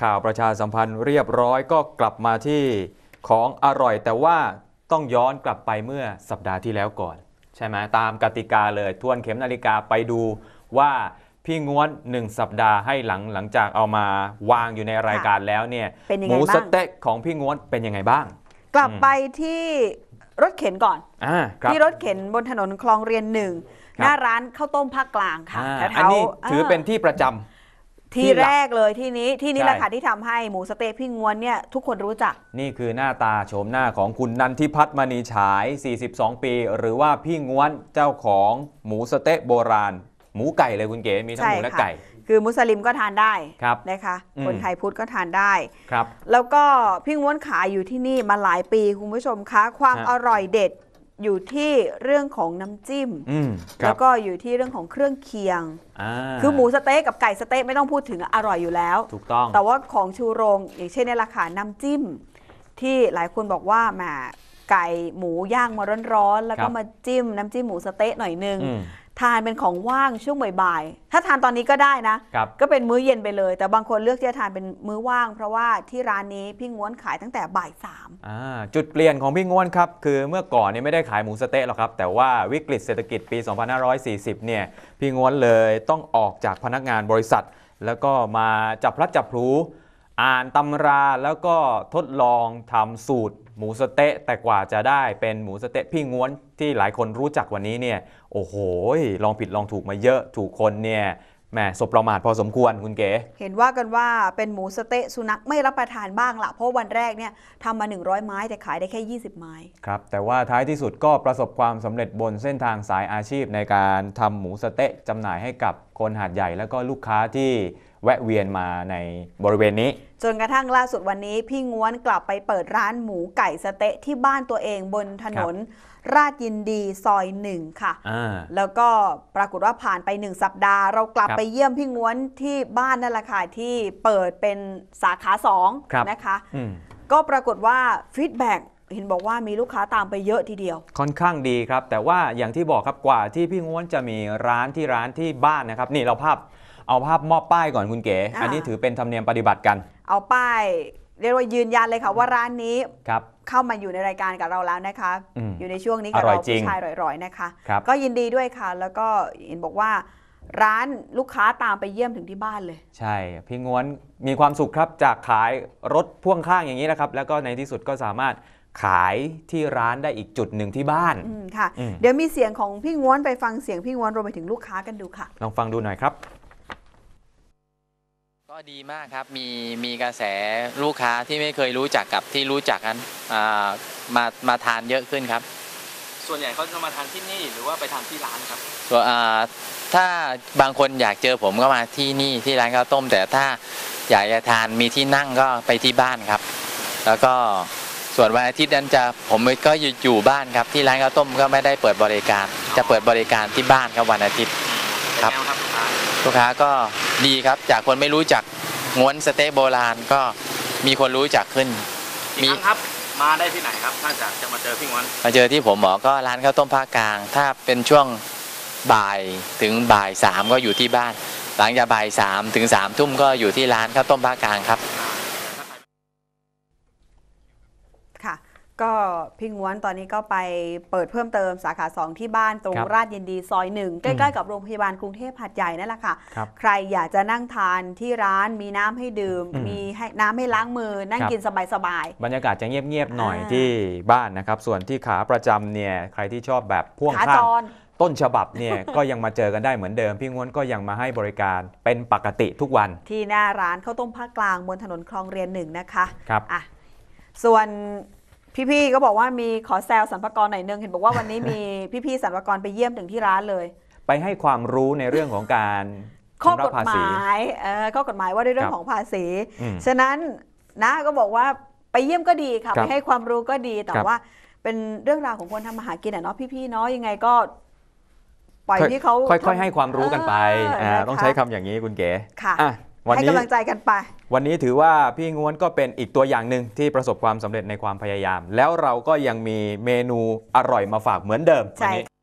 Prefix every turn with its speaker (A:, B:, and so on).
A: ข่าวประชาสัมพันธ์เรียบร้อยก็กลับมาที่ของอร่อย แต่ว่าต้องย้อนกลับไปเมื่อสัปดาห์ที่แล้วก่อนใช่ไหมตามกติกาเลยทวนเข็มนาฬิกาไปดูว่าพี่ง้วน1สัปดาห์ให้หลังจากเอามาวางอยู่ในรายการแล้วเนี่ยหมูสเต๊ะของพี่ง้วนเป็นยังไงบ้าง
B: กลับไปที่รถเข็นก่อนที่รถเข็นบนถนนคลองเรียน1หน้าร้านข้าวต้มภาคกลางค่ะ
A: อันนี้ถือเป็นที่ประจำ
B: ที่แรกเลยที่นี้แหละค่ะที่ทำให้หมูสเต๊ะพี่ง้วนเนี่ยทุกคนรู้จัก
A: นี่คือหน้าตาโฉมหน้าของคุณนันทิพัฒน์มณีฉาย42ปีหรือว่าพี่ง้วนเจ้าของหมูสเต๊ะโบราณหมูไก่เลยคุณเก๋มีทั้งหมูและไก่
B: คือมุสลิมก็ทานได้นะคะคนไทยพุทธก็ทานได้แล้วก็พี่ง้วนขายอยู่ที่นี่มาหลายปีคุณผู้ชมคะความอร่อยเด็ดอยู่ที่เรื่องของน้ำจิ้มแล้วก็อยู่ที่เรื่องของเครื่องเคียงคือหมูสเต๊ะกับไก่สเต๊ะไม่ต้องพูดถึงอร่อยอยู่แล้ว
A: ถูกต้อง
B: แต่ว่าของชูโรงอย่างเช่นในราคาน้ำจิ้มที่หลายคนบอกว่าแหมไก่หมูย่างมาร้อนๆแล้วก็มาจิ้มน้ำจิ้มหมูสเต๊ะหน่อยนึงทานเป็นของว่างช่วงบ่ายๆถ้าทานตอนนี้ก็ได้นะก็เป็นมื้อเย็นไปเลยแต่บางคนเลือกที่จะทานเป็นมื้อว่างเพราะว่าที่ร้านนี้พี่ง้วนขายตั้งแต่บ่าย3
A: จุดเปลี่ยนของพี่ง้วนครับคือเมื่อก่อนเนี่ยไม่ได้ขายหมูสเต๊ะหรอกครับแต่ว่าวิกฤตเศรษฐกิจปี 2540 เนี่ยพี่ง้วนเลยต้องออกจากพนักงานบริษัทแล้วก็มาจับพลัดจับพลูอ่านตำราแล้วก็ทดลองทำสูตรหมูสเต๊ะแต่กว่าจะได้เป็นหมูสเต๊ะพี่ง้วนที่หลายคนรู้จักวันนี้เนี่ยโอ้โหลองผิดลองถูกมาเยอะถูกคนเนี่ยแหมสบประมาทพอสมควรคุณเก๋
B: เห็นว่ากันว่าเป็นหมูสเต๊ะสุนัขไม่รับประทานบ้างละเพราะวันแรกเนี่ยทำมา100ไม้แต่ขายได้แค่20ไม้
A: ครับแต่ว่าท้ายที่สุดก็ประสบความสำเร็จบนเส้นทางสายอาชีพในการทำหมูสเต๊ะจำหน่ายให้กับคนหาดใหญ่แล้วก็ลูกค้าที่แวะเวียนมาในบริเวณนี้
B: จนกระทั่งล่าสุดวันนี้พี่ง้วนกลับไปเปิดร้านหมูไก่สเต๊ะที่บ้านตัวเองบนถนนราชยินดีซอย1ค่ะแล้วก็ปรากฏว่าผ่านไป1สัปดาห์เรากลับไปเยี่ยมพี่ง้วนที่บ้านนั่นแหละค่ะที่เปิดเป็นสาขา2นะคะก็ปรากฏว่าฟีดแบ็กเห็นบอกว่ามีลูกค้าตามไปเยอะทีเดียว
A: ค่อนข้างดีครับแต่ว่าอย่างที่บอกครับกว่าที่พี่ง้วนจะมีร้านที่บ้านนะครับนี่เราเอาภาพมอบป้ายก่อนคุณเก๋อันนี้ถือเป็นธรรมเนียมปฏิบัติกัน
B: เอาป้ายเรียกว่ายืนยันเลยค่ะว่าร้านนี้เข้ามาอยู่ในรายการกับเราแล้วนะคะอยู่ในช่วงนี้กับเราผู้ชายร่อยๆนะคะก็ยินดีด้วยค่ะแล้วก็เห็นบอกว่าร้านลูกค้าตามไปเยี่ยมถึงที่บ้านเลย
A: ใช่พี่ง้วนมีความสุขครับจากขายรถพ่วงข้างอย่างนี้นะครับแล้วก็ในที่สุดก็สามารถขายที่ร้านได้อีกจุดหนึ่งที่บ้าน
B: ค่ะเดี๋ยวมีเสียงของพี่ง้วนไปฟังเสียงพี่ง้วนรวมไปถึงลูกค้ากันดูค่ะ
A: ลองฟังดูหน่อยครับ
C: ก็ดีมากครับมีกระแสลูกค้าที่ไม่เคยรู้จักกับที่รู้จักกันมาทานเยอะขึ้นครับ
D: ส่วนใหญ่เขาจะมาทานที่นี่หรือว่าไปทานที่ร้านครับ
C: ส่วนถ้าบางคนอยากเจอผมก็มาที่นี่ที่ร้านข้าวต้มแต่ถ้าอยากจะทานมีที่นั่งก็ไปที่บ้านครับแล้วก็ส่วนวันอาทิตย์นั้นผมก็อยู่บ้านครับที่ร้านข้าวต้มก็ไม่ได้เปิดบริการจะเปิดบริการที่บ้านครับวันอาทิตย์ครับลูกค้าก็ดีครับจากคนไม่รู้จักง้วนสเต๊ะโบราณก็มีคนรู้จักขึ้น
D: มีครับมาได้ที่ไหนครับถ้าจะมาเจอพี่ง้วน
C: มาเจอที่ผมก็ร้านข้าวต้มภาคกลางถ้าเป็นช่วงบ่ายถึงบ่าย3ก็อยู่ที่บ้านหลังจากบ่าย3ถึง3 ทุ่มก็อยู่ที่ร้านข้าวต้มภาคกลางครับ
B: ก็พี่ง้วนตอนนี้ก็ไปเปิดเพิ่มเติมสาขา2ที่บ้านตรงราชยินดีซอย1ใกล้ๆกับโรงพยาบาลกรุงเทพหาดใหญ่นั่นแหละค่ะใครอยากจะนั่งทานที่ร้านมีน้ำให้ดื่มมีน้ำให้ล้างมือนั่งกินสบาย
A: ๆบรรยากาศจะเงียบๆหน่อยที่บ้านนะครับส่วนที่ขาประจำเนี่ยใครที่ชอบแบบพ่วงข้างต้นฉบับเนี่ยก็ยังมาเจอกันได้เหมือนเดิมพี่ง้วนก็ยังมาให้บริการเป็นปกติทุกวัน
B: ที่หน้าร้านข้าวต้มภาคกลางบนถนนคลองเรียน1นะคะ
A: ครับ
B: ส่วนพี่ๆก็บอกว่ามีขอแซวสรรพากรหน่อยนึงเห็นบอกว่าวันนี้มีพี่ๆสรรพากรไปเยี่ยมถึงที่ร้านเลย
A: ไปให้ความรู้ในเรื่องของการ
B: ข้อกฎหมายข้อกฎหมายว่าด้วยเรื่องของภาษีฉะนั้นนะก็บอกว่าไปเยี่ยมก็ดีค่ะไปให้ความรู้ก็ดีแต่ว่าเป็นเรื่องราวของคนทำมาหากินเนาะพี่ๆเนาะยังไงก็ปล่อยที่เขา
A: ค่อยๆให้ความรู้กันไปต้องใช้คำอย่างนี้คุณเก๋
B: ค่ะให้กำลังใจกันไป
A: วันนี้ถือว่าพี่ง้วนก็เป็นอีกตัวอย่างหนึ่งที่ประสบความสำเร็จในความพยายามแล้วเราก็ยังมีเมนูอร่อยมาฝากเหมือนเดิมวันนี้